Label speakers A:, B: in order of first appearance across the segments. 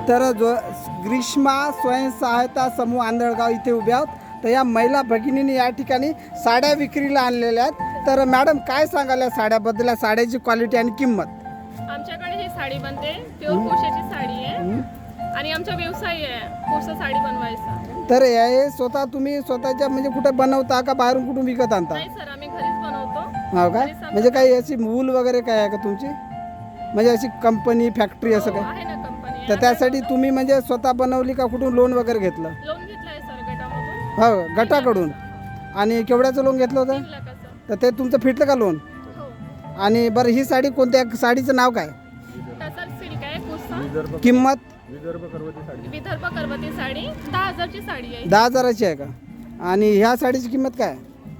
A: तर जो ग्रीष्मा स्वयंसहायता समूह आंधळगाव इथे उभ्या आहोत. तर या महिला भगिनींनी या ठिकाणी साड्या विक्रीला आणलेल्या आहेत. तर मॅडम काय सांगाल या साड्याबद्दल, या साड्याची क्वालिटी आणि किंमत?
B: आमच्याकडे ही साडी बनते, प्युअर कोशाची साडी आहे आणि आमचा व्यवसाय आहे कोसा साडी बनवायचा.
A: तर हे स्वतः तुम्ही स्वतःच्या म्हणजे कुठे बनवता का बाहेरून कुठून विकत आणता?
B: नाही सर, आम्ही घरीच बनवतो.
A: हो काय? म्हणजे काही अशी वूल वगैरे काय आहे का तुमची, म्हणजे अशी कंपनी फॅक्टरी असं काय?
B: आहे ना कंपनी.
A: तर त्यासाठी तुम्ही म्हणजे स्वतः बनवली का कुठून लोन वगैरे घेतलं?
B: लोन घेतलाय सर गटामधून.
A: हो, गटाकडून. आणि केवढ्याचं लोन घेतलं होतं?
B: 3 लाखाचं.
A: तर ते तुमचं फिटलं का लोन?
B: हो.
A: आणि बरं ही साडी कोणत्या साडीचं नाव काय?
B: टसर सिल्क आहे कोसा.
A: किंमत?
B: विदर्भ करवती साडी 10,000ची साडी आहे.
A: 10,000ची आहे का? आणि ह्या साडीची किंमत काय?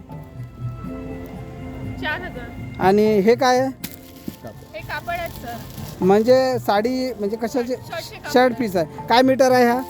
B: 4,000.
A: आणि हे काय आहे?
B: हे कापड आहे सर.
A: म्हणजे साडी म्हणजे कशाचे?
B: शर्टचे कापड.
A: शर्ट पीस आहे. काय मीटर आहे हा?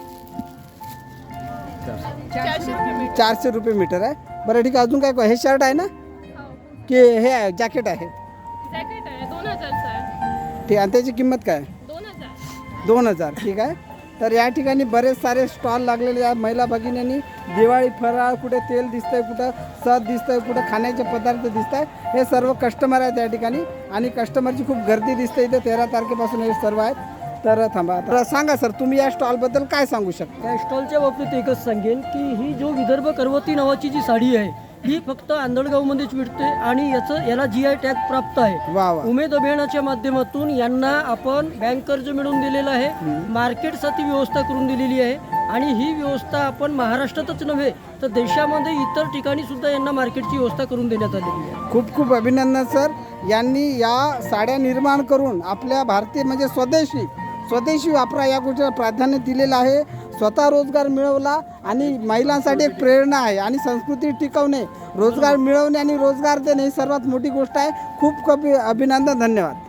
B: 400 रुपये मीटर.
A: 400 रुपये मीटर आहे. बरं ठीक आहे. अजून काय? हे शर्ट आहे ना
B: हो.
A: की हे आहे जॅकेट आहे?
B: जॅकेट आहे 2,000चं आहे.
A: ठीक. आणि त्याची किंमत काय?
B: 2,000.
A: 2,000. ठीक आहे. तर या ठिकाणी बरेच सारे स्टॉल लागलेले आहेत. महिला भगिनींनी दिवाळी फराळ, कुठे तेल दिसतंय, कुठं सद दिसतंय, कुठं खाण्याचे पदार्थ दिसत आहे. हे सर्व कस्टमर आहेत या ठिकाणी आणि कस्टमरची खूप गर्दी दिसते इथे. 13 तारखेपासून हे सर्व आहेत. तर थांबा, तर सांगा सर, तुम्ही या स्टॉलबद्दल काय सांगू शकता?
C: त्या स्टॉलच्या बाबतीत एकच सांगेन की ही जो विदर्भ करवती नावाची जी साडी आहे ही फक्त आंधळगावमध्येच मिळते आणि याला GI टॅग प्राप्त आहे.
A: वा वा.
C: उमेद अभियानाच्या माध्यमातून यांना आपण बँक कर्ज मिळवून दिलेलं आहे, मार्केटसाठी व्यवस्था करून दिलेली आहे आणि ही व्यवस्था आपण महाराष्ट्रातच नव्हे तर देशामध्ये इतर ठिकाणी सुद्धा यांना मार्केटची व्यवस्था करून देण्यात आलेली आहे.
A: खूप खूप अभिनंदन सर. यांनी या साड्या निर्माण करून आपल्या भारतीय म्हणजे स्वदेशी वापरा या गोष्टीला प्राधान्य दिलेलं आहे. स्वतः रोजगार मिळवला आणि महिलांसाठी एक प्रेरणा आहे. आणि संस्कृती टिकवणे, रोजगार मिळवणे आणि रोजगार देणे ही सर्वात मोठी गोष्ट आहे. खूप खूप अभिनंदन. धन्यवाद.